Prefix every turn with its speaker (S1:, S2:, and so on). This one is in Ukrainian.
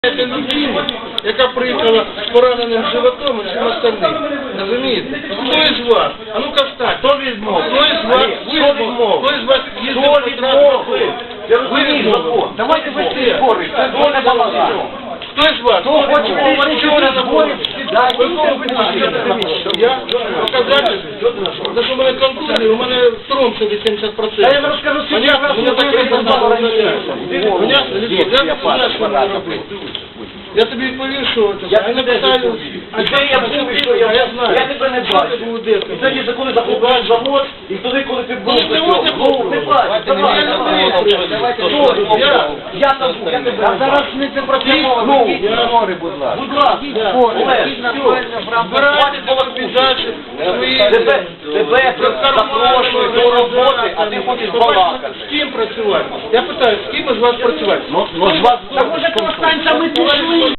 S1: Це людина, яка приїхала з пораненим животом і всім остальним. Розумієте? Хто із вас? А ну-ка встань. Хто відмов? Хто із вас? Хто із вас їздив по транспорту? Ви відмовили. Давайте ви всі збори. Це доля балага. Хто із вас? Хто хоче говорити на зборі? Я показати, за що в мене контузія, у мене струм собі 70%. А я вам розкажу, що я вас не я тобі відповів, що це. Я не питаю, а де я був, що я знаю. Я тебе не бачу. І тоді, коли захопляєш завод, і туди, коли ти був, не бачу. Я там був, я тебе не бачу. А зараз не це протягнули. Збори, будь ласка. Будь ласка. Збирайте полопізачі свої. Тебе запрошують до роботи, а ти хочеш балакати. З ким працювати? Я питаю, з ким із вас працювати? З вас. Так може, коли станція ми пішли.